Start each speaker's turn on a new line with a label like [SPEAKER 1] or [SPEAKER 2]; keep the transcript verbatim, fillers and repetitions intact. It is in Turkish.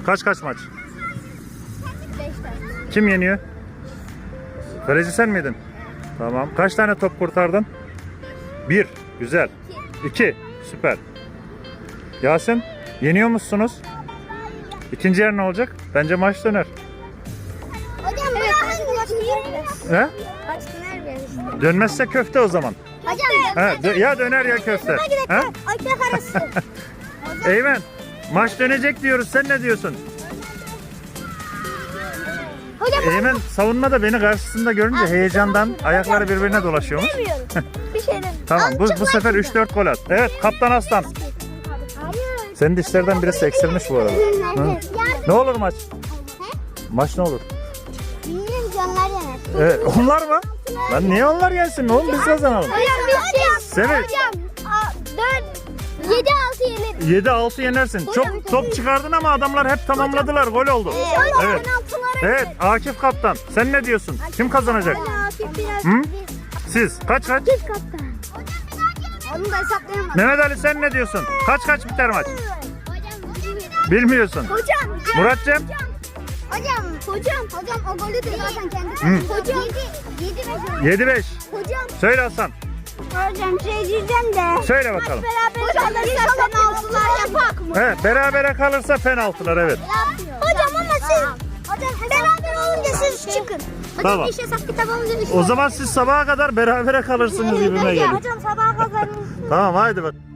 [SPEAKER 1] Kaç kaç maç?
[SPEAKER 2] beş tane.
[SPEAKER 1] Kim yeniyor? Kaleci sen miydin? Tamam. Kaç tane top kurtardın? Bir. Güzel. İki. Süper. Yasin, yeniyor musunuz? İkinci yer ne olacak? Bence maç döner.
[SPEAKER 2] Hocam evet, maç döner.
[SPEAKER 1] He?
[SPEAKER 2] Maç döner biraz işte.
[SPEAKER 1] Dönmezse köfte o zaman.
[SPEAKER 2] Hocam
[SPEAKER 1] He, dö- ya döner ya köfte. He?
[SPEAKER 2] ekmek arası.
[SPEAKER 1] Eymen, maç dönecek diyoruz. Sen ne diyorsun?
[SPEAKER 2] Hocam
[SPEAKER 1] Eymen savunmada beni karşısında görünce heyecandan ayakları birbirine dolaşıyormuş.
[SPEAKER 2] bilmiyorum. Bir şey demiyorum.
[SPEAKER 1] Tamam, bu, bu sefer üç dört gol at. Evet, Kaptan Aslan.
[SPEAKER 2] Hayır.
[SPEAKER 1] Senin dişlerden birisi eksilmiş bu arada. Hı? Ne olur maç? Maç ne olur?
[SPEAKER 2] Bilmiyorum, canlar yener.
[SPEAKER 1] Evet, onlar mı? Lan niye onlar gelsin oğlum, biz kazanalım.
[SPEAKER 2] Hocam biz
[SPEAKER 1] Seni
[SPEAKER 2] hocam dört yedi altı yeneriz.
[SPEAKER 1] yedi altı yenersin. Çok top çıkardın ama adamlar hep tamamladılar. Gol oldu. Evet. Evet, Akif Kaptan. Sen ne diyorsun? Kim kazanacak? Hı? Siz kaç kaç?
[SPEAKER 2] Biz kaptan. Onu da hesaplayamadım.
[SPEAKER 1] Mehmet Ali sen ne diyorsun? Kaç kaç biter maç?
[SPEAKER 2] Hocam
[SPEAKER 1] Bilmiyorsun.
[SPEAKER 2] Hocam.
[SPEAKER 1] Muratcığım?
[SPEAKER 2] Hocam. Hocam. Hocam o golü de zaten kendi.
[SPEAKER 1] Hı.
[SPEAKER 2] Hocam. yedi beş.
[SPEAKER 1] yedi beş.
[SPEAKER 2] Hocam.
[SPEAKER 1] Söyle Hasan.
[SPEAKER 2] Hocam şey diyeceğim de.
[SPEAKER 1] Söyle bakalım.
[SPEAKER 2] Beraber kalırsa penaltılar yapak mı?
[SPEAKER 1] He, berabere kalırsa penaltılar evet.
[SPEAKER 2] Hocam ama siz hocam beraber olunca siz çıkın. Hocam
[SPEAKER 1] Tamam.
[SPEAKER 2] iş hesap kitabımızı üç.
[SPEAKER 1] O zaman siz sabaha kadar berabere kalırsınız gibime geliyor.
[SPEAKER 2] Hocam sabaha kadar.
[SPEAKER 1] Tamam haydi bak.